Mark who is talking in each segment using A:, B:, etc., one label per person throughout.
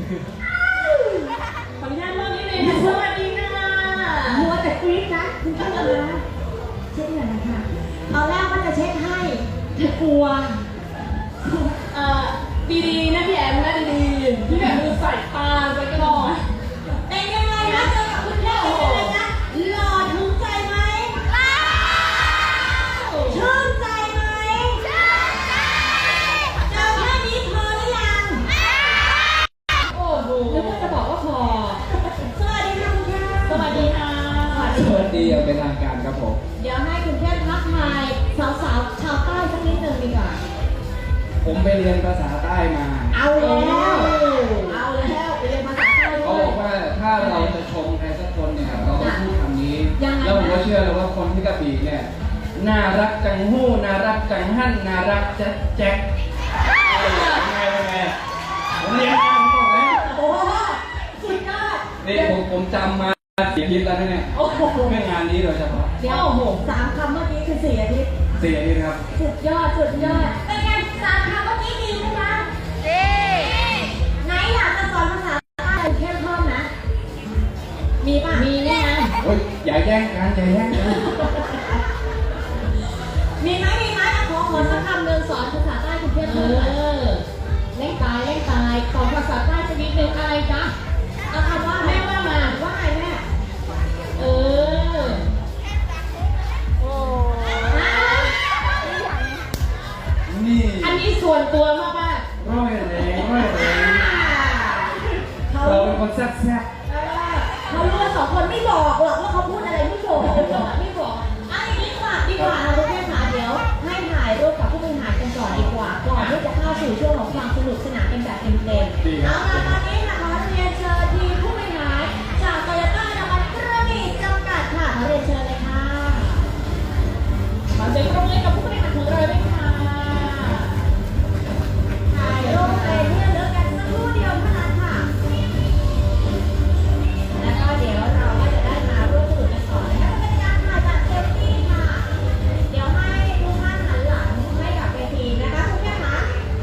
A: ขออนุญาตเริ่มนิดนึงค่ะสวัสดีค่ะ
B: มัวแต่กรี๊ดนะคุณก็เลยนะเช็ดหน่อยนะคะเอาแรกว่าจะเช็ดให้เธอกลัว
A: ดีๆนะพี่แอมนะดีๆพี่แอมดูใส่ตาไปก่อน
B: เป็นยังไงนะเจอกับคุณแม่เป็นยังไงนะหล่อถึงใจไหมชื่นใจไหมเจอแค่นี้พอหรือยัง
A: โอ้โหแล้วก็จะบอกว่าพอ
B: สวัสดีค่ะคุณแม่
A: สวัสดีค่ะ
C: สวัสดีอย่างเป็นทางการครับผม
B: เดี๋ยวให้คุณแม่ทักทายสาวๆชาวใต้สักนิดนึงดีกว่า
C: ผมไปเรียนภาษาใต้มา
B: เอาแล้วไปเรียนภาษาใต้ด้วย
C: เขาบอกว่าถ้าเราจะชมใครสักคนเนี่ยเราต้องพูดคำนี้แล้วผมก็เชื่อเลยว่าคนที่กระบี่เนี่ยน่ารักจังหู้น่ารักจังหั่นน่ารักแจ๊กแจ๊กเป็นไงผมเรียนมาผมบอกแล้ว
B: โอ้สุดยอด
C: นี่ผมจำมา4 อาทิตย์แล้วเนี่ยเรื่องงานนี้โดยเฉพาะ
B: เดี๋ยว3 คำเมื่อกี้คือ4 อาทิตย์
C: 4 อาทิตย์ครับ
B: สุดยอดเป็นไง3 คำเมื่อกี้ดีไหมคะดีไหนอยากจะสอนภาษาใต้เข้มข้นนะมีป่ะ
A: มีแน่
C: โอ้ยอย่าแย่งกัน
B: มีไหมขอสักคำหนึ่งสอนภาษาใต้คุณเพื่อน
A: เล่นตายขอภาษาใต้สักนิดนึงอะไรจ๊ะ
B: เอาคำว่า
A: แม่ว่ามา
B: ว่าไงแม่
C: นี่
A: อันนี้ส่วนตัวมาก
C: ร้อยแรงเราเป็นคนแซ่บ
B: เขารู้ว่า2 คนไม่บอกหรอกว่าเขาพูดอะไรไม่บอกอันนี้ดีกว่าเราทุกท่านค่ะเดี๋ยวให้ถ่ายรูปกับผู้บริหารกันก่อนดีกว่าก่อนที่จะเข้าสู่ช่วงของความสนุกสนานกันแบบเต็มๆเอาล่ะตอนนี้ค่ะขอเรียนเชิญทีมผู้บริหารจากโตโยต้าน้ำมันกระบี่จำกัดค่ะขอเรียนเชิญเลยค่ะ
A: มาเจอตรงนี้กับผู้บริหารของเราด้วยค่ะ
B: ถ่ายรูปไปเพื่อเลือกกันสักครู่เดียวเท่านั้นค่ะแล้วก็เดี๋ยวเราก็จะได้มาร่วมสนุกกันต่อนะคะเป็นการถ่ายแบบเซลฟี่ค่ะเดี๋ยวให้ทุกท่านหันหลังให้กับเวทีนะคะคุณแม่คะ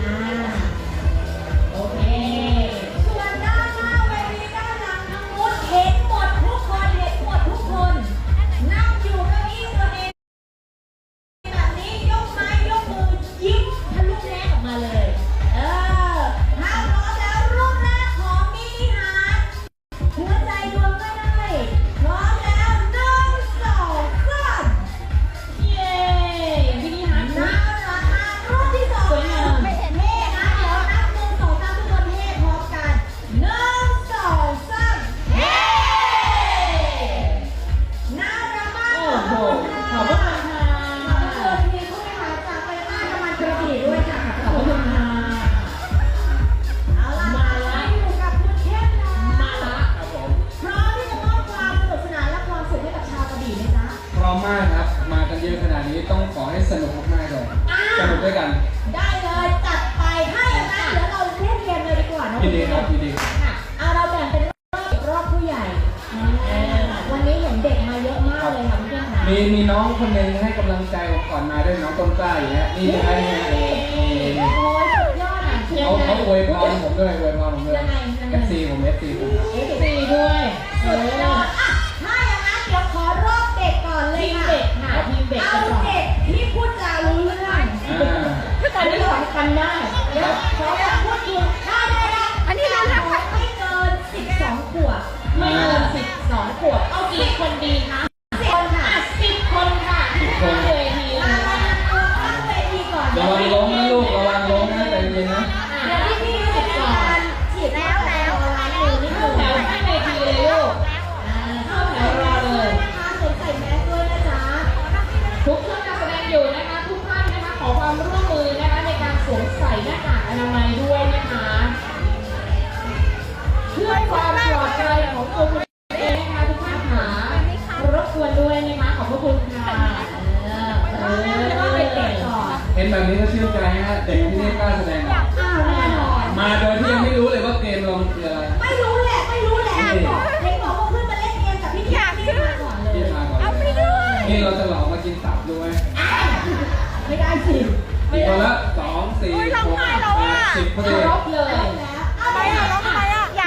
B: โอเคส่วนด้านหน้าเวทีด้านหลังทั้งหมดเห็นหมดทุกคนนั่งอยู่เก้าอี้ตัวเองแบบนี้ยกไม้ยกมือยิ้มทะลุแนกออกมาเลยถ้าพร้อมแล้วรูปแรกของมินิฮาร์ทหัวใจดวงก็ได้พร้อมแล้ว1 2 3
A: เย้มินิฮาร์ท
B: น่ารักมากรูปที่2ไม่เห็นเท่นะเดี๋ยวนับ1 2 3ทุกคนเท่พร้อมกัน1 2 3เฮ้น่ารักมาก
A: โอ้โหขอบคุณค่ะ
B: ขอบคุณทีมผู้บริหารจากโตโยต้าน้ำมันกระบี่ด้วยค่ะขอบคุณค่ะเอาล่ะมาอยู่กับคุณเข้มนะ
A: มาละ
C: ครับผม
B: พร้อมที่จะมอบความสนุกสนานและความสุขให้กับชาวกระบี่ไหมจ๊ะ
C: พร้อมมากครับมากันเยอะขนาดนี้ต้องขอให้สนุกมากๆเลยสนุกด้วยกัน
B: ได้เลยจัดไปถ้าอย่างนั้นเดี๋ยวเราเล่นเกมเลยดีกว่านะ
C: ยินดีครับยินดี
B: ค่ะเอาเราแบ่งเป็นรอบผู้ใหญ่วันนี้เห็นเด็กมาเยอะมากเลยค่ะเพื่อนๆค่ะ
C: มีน้องคนหนึงให้กำลังใจผมก่อนมาด้วยน้องต้นกล้าอย่างเงี้ยนี่ให้
B: โอ้ยสุดยอดอ่ะ
C: เขาอวยพรผมด้วยFC ผม
A: 4ด้วย
B: สุดยอดอ่ะถ้าอย่างนั้นเดี๋ยวขอรอบเด็กก่อนเลยค่ะ
A: ทีมเด็ก
B: เอาเด็กที่พูดจารู้เรื่อง
A: อันนี้สำคัญมาก
B: เดี๋ยวขอพูดถึงได้อันนี้เราไม่เกิน12 ขวบ
A: ไม่เกิน12 ขวบเอากี่คนดีคะ
B: 10 คนค่ะ
A: 10 คนค่ะที่เวที
B: มาตั้งเวทีก่อน
C: ระวังล้มนะลูกระวังล้มนะใจเย็นนะ
B: เดี๋ยวพี่จะมีการฉีดแล้วล้างมือนิดนึง
A: แถวให้เวทีเลยลูก
B: เข้าแถวรอเลยนะคะสวมใส่แมสด้วยนะจ๊ะ
A: ทุกท่านการแสดงอยู่นะคะทุกท่านนะคะขอความร่วมมือนะคะในการสวมใส่หน้ากากอนามัยด้วยนะคะเพื่อความปลอดภัยของตัวคุณเองนะคะทุกท่านหารบกวนด้วยนะคะขอบพระคุณค่ะ
C: เห็นแบบนี้ก็ชื่นใจฮะเด็กที่นี่กล้าแสดงมาโดยที่ยังไม่รู้เลยว่าเกมเราคืออะไร
B: ไม่รู้แหละบอกให้บอกว่าเพื่อนมาเล่นเกมกับพี่ที่มาก่อนเลย
C: เอาไปด้วยนี่เราจะหลอกมากินตับด้วย
B: ไม่ได้สิ
C: คนละ2 4 6 8 10พอดี
A: รบเลย
B: เอาไปร้องทำไมอ่ะ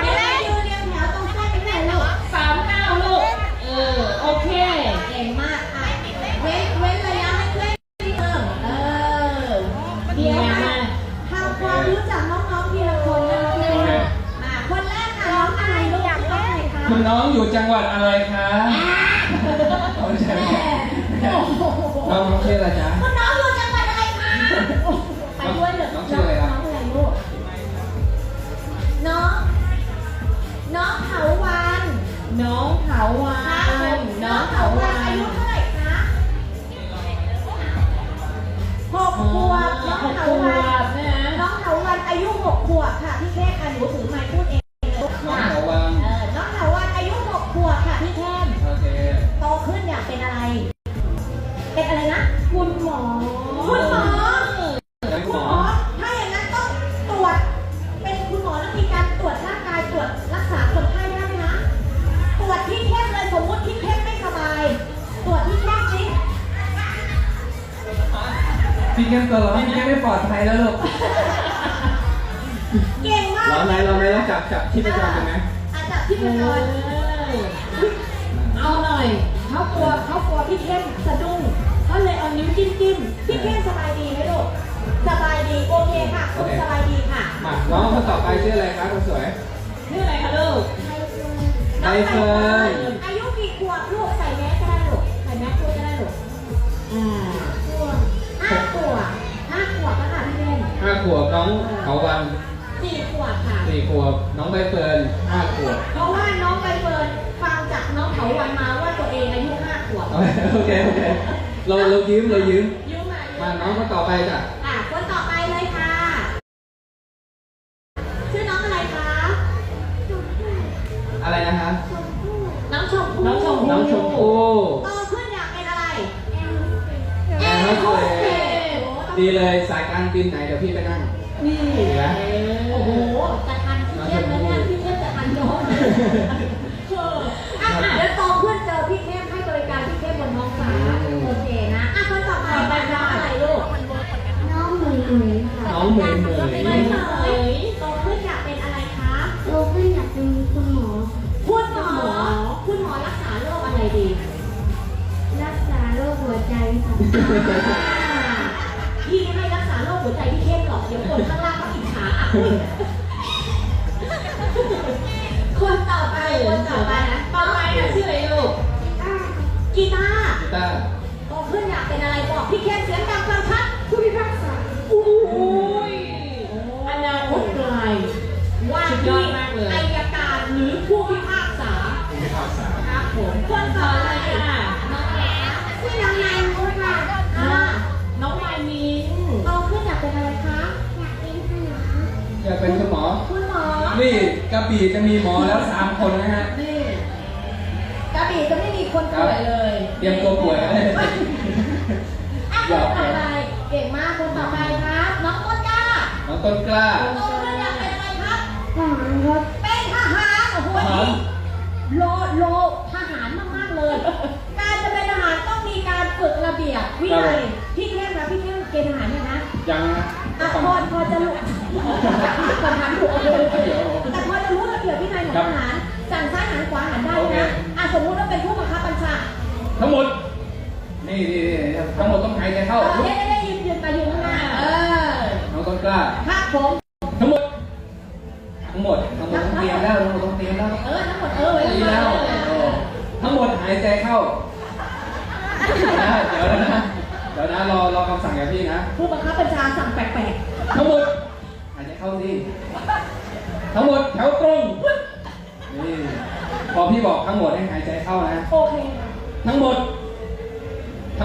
C: คุณน้องอยู่จังหวัดอะไรคะเอาไม่ใช่ไหมน้องชื่ออะไรจ๊ะ
B: คุณน้องอยู่จังหวัดอะไรคะไปด้วยเหรอ
C: น้องชื่ออะไรครับ
B: น้องอะไรลูกน้องเถาวัน
A: น้องเถาวั
B: ค่ะ
A: นน้องเถาวั
B: อาน ยุเท่าไหร่คะ6 ขวบน้อง
A: 6
B: เถา
A: ขว
B: วัน
A: บนะ
B: น้องเถาวันอายุ 6 ขวบค่ะพี่แค่ค่ะหนูถือไมค์พูดเองลูก
C: น้อง
B: ค่ะ
C: หัววัง
B: น้องเถาวันอายุ 6 ขวบค่ะพี่แค่
C: โอเค
B: โตขึ้นอยากเป็นอะไร เป็นอะไรนะ
A: คุณหมอ
B: คุณหมอ
C: เป็น
B: คุ
C: ห
B: ณ
C: ม
B: หม
C: อ
B: อ ถ้าอย่างนั้นต้องตรวจ เป็นคุณหมอแล้วมีการตรวจร่างกายตรวจรักษาคนไข้ได้ไหมนะตรวจที่เข้มเลยสมมติที่เข้มไม่สบาย ตรวจที่เข้มสิ
C: พี่แก้มตัวร้อนพี่แก้มไม่ปลอดภัยแล้วลูก
B: เก่งมาก
C: ร้อนไหมร้อนไหมแล้วจับที่ประจำกันไหม
B: อาจจะที่เป็น
A: เอาหน่อย
B: เขากลัวพี่เข้มสะดุ้งเขาเลยเอานิ้วจิ้มพี่เข้มสบายดีไหมลูกสบายดีโอเคค่ะคุณสบายดีค่ะ
C: มาน้องคนต่อไปชื่ออะไรครับคนสวย
A: ชื่ออะไรคะลูก
C: ใบเฟิร์น
B: อายุกี่ขวบลูกใส่แมสก็ได้ลูกใส่แมสพูดก็ได้ลูก5 ขวบ5 ขวบก็ค่ะพี่เล่น
C: 5 ขวบน้องเขาวัน
B: 4 ขวบค่ะ
C: 4 ขวบน้องใบเฟิร์น5 ขวบ
B: เพราะว่าน้องใบเฟิร์นฟังจากน้องเถาวันมาว่าตัวเองอายุ5 ขวบ
C: โอเคเรายืม
B: ยุ่งมา
C: มาน้องคนต่อไปจ้ะ
B: คนต่อไปเลยค่ะ ชื่อน้องอะไรคะ
C: อะไรนะคะ
B: น้องชมพู่
A: น้องชมพู่
C: น้องชมพู่
B: โตขึ้นอยากเป็นอะไร
C: แอร์โฮสเตสดีเลยสายการบินไหนเดี๋ยวพี่ไปนั่ง
B: นี่
C: ดีไหม
B: โอ้โหจะทันพี่เข้มแล้วเนี่ยพี่เข้มจะทันน้องเดี๋ยวโตขึ้นเจอพี่เข้มให้บริการพี่เข้มบนท้องฟ้าโอเคนะคนต่อไปเป็นน้องอะไรลูก
D: น้องเหมยค่ะ
C: น้องเหมย
B: ไม่เหมยโตขึ้นอยากเป็นอะไรคะ
D: โตขึ้นอยากเป็นคุณหมอ
B: คุณหมอรักษาโรคอะไรดี
D: รักษาโรคหัวใจค่ะ
B: พี่ไม่ให้รักษาโรคหัวใจพี่เข้มหรอกเดี๋ยวคนข้างล่างเขาอิจฉาอ่ะคนต่อไปนะ
A: ต่อไปนะชื่ออะไรลูก
B: กีตาร์
C: กีตาร์
B: โตขึ้นอยากเป็นอะไรบอกพี่เข้มเสียงดังฟังชัดผู้พิพากษา
A: อุ้ยอนาคตไกล
B: ว่า
A: สุดยอ
B: ที่
A: ดมากเลย
B: อัยการหรือผู้พิพากษา
C: ไม่ข่าวสาร
B: ครับผมคนต่อไปค่ะน้องแหลม
D: ชื่อน้องนายมุกค่ะ
A: น้องมายมิน
B: โตขึ้นอยากเป็นอะไรคะ
D: อยากเป็นคุณหมอ
C: อยากเป็นคุณหมอ
B: คุณหมอ
C: นี่กระบี่จะมีหมอแล้ว3 คนนะฮะ
B: นี่กระบี่จะไม่มีคนป่วยเลย
C: เตรียมตัวป่วยแล้ว
B: คนต่อไปเก่งมากคนต่อไปครับ น้องต้นกล้า
C: น้องต้นกล้า
B: โตขึ้นอยากเป็นอะไรครับ
D: ทหารครับ
B: เป็นทหารโอ้โห
C: ทหาร
B: โลทหารมากๆเลย การจะเป็นทหารต้องมีการฝึกระเบียบวินัยพี่เข้มนะพี่เข้มเกณฑ์ทหารเนี่ยนะ
C: ยังนะ
B: อ่ะพอจะรู้ทหารถูกเลยแต่พอจะรู้ระเบียบวินัยของทหารสั่งซ้ายหันขวาหันได้นะอ่ะสมมุติว่าเป็นผู้บังคับบัญชา
C: ทั้งหมด นี่ทั้งหมดต้องหายใจเข้า
B: ได้ยืนไปยืนข้างหน้า
C: น้องต้นกล้า
B: ครับผม
C: ทั้งหมดต้องเตรียมแล้วทั้งหมดต้องเตรียมแล้ว
B: ทั้งหมดไว้
C: ดีแล้วทั้งหมดหายใจเข้าเดี๋ยวนะรอคำสั่งจากพี่นะ
B: ผู้บังคับบัญชาสั่งแปลก
C: ทั้งหมดหายใจเข้าสิทั้งหมดแถวตรงนี่พอพี่บอกทั้งหมดให้หายใจเข้านะ
B: ๆโอเค
C: ทั้งหมดแต่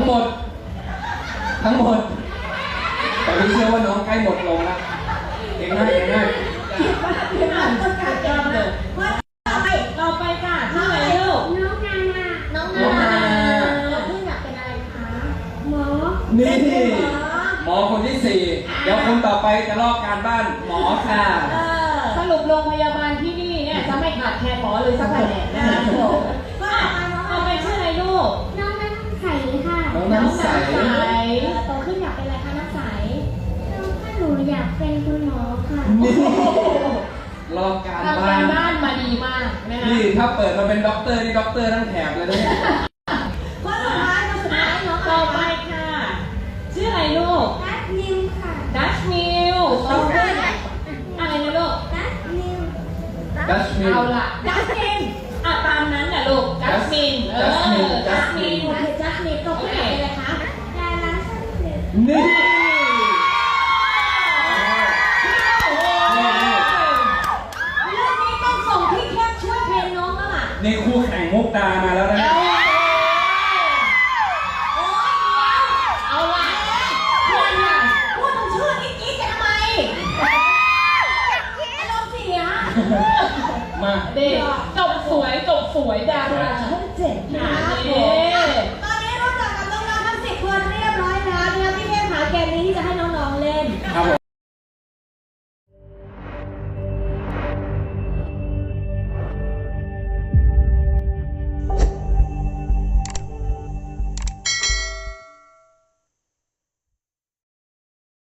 C: พี่เชื่อว่าน้องใกล้หมดลงแล้วเก่งมาก
B: คิดว่าเป็นอะไรต้องการเองเลย
A: ต่อไปค่ะชื่ออะไรลูก
D: น้องนานา
B: น้องนาเราเพิ่งอยากเป็นอะไรคะ
D: หมอ
C: นี่หมอคนที่ 4เดี๋ยวคนต่อไปจะลอกการบ้านหมอค่ะ
A: สรุปโรงพยาบาลที่นี่เนี่ยจะไม่ขาดแคลนหมอเลยสักแผนกนะคะ
B: ก็
A: ต่อไปชื่ออะไรลูก
D: น้องน้ำใสค่ะ
C: น้องน้ำใส
B: โตขึ้นอยากเป็นอะไรคะน้ำใส
D: น้องถ้าหนูอยากเป็นคุณหมอค่ะ
C: นี่ลอกการ
A: ทำ
C: บ้าก
A: าน รบ้านมาดีมากนะคะ
C: นี่ถ้าเปิดมาเป็นด็อกเตอร์นี่ด็อกเตอร์ทั้งแถบเลยนะเนี่ย
B: คนสุดท้ายน้อง
A: ต่อไปค่ะ ชื่ออะไรลูก
D: ดัชนิวค่ะ
A: ดัชมิลโตขึ้นอะไรนะลูก
D: ดัชนิว
C: ดัชมิล
A: เอาล่ะ
B: ดัสติน
A: อ่ะมิน
B: โอเคจัสมินก็พูดอะไรเลยคะ
D: ดาราท่านหนึ่ง
C: นี่
B: เรื่องนี้ต้องส่งพี่เข้มช่วยเทรนน้องแล้วล่ะ
C: นี่คู่แข่งมุกดามาแล้วนะ
B: โอ๊ยเดี๋ยว
A: เอาละ
B: เพื่อนค่ะพูดถึงชื่อนี้กรี๊ดกันทำไมอารมณ์เสีย
C: มา
A: เด็กจบสวยดาราช่องเจ็ด
B: ค
A: ค่ะ
B: รับผ
A: นี่
B: มตอนนี้รู้จักกับน้องๆทั้ง10 คนเรียบร้อยแล้วนะคะพี่เข้มหาเกมนี้ที่จะให้น้องๆเล่น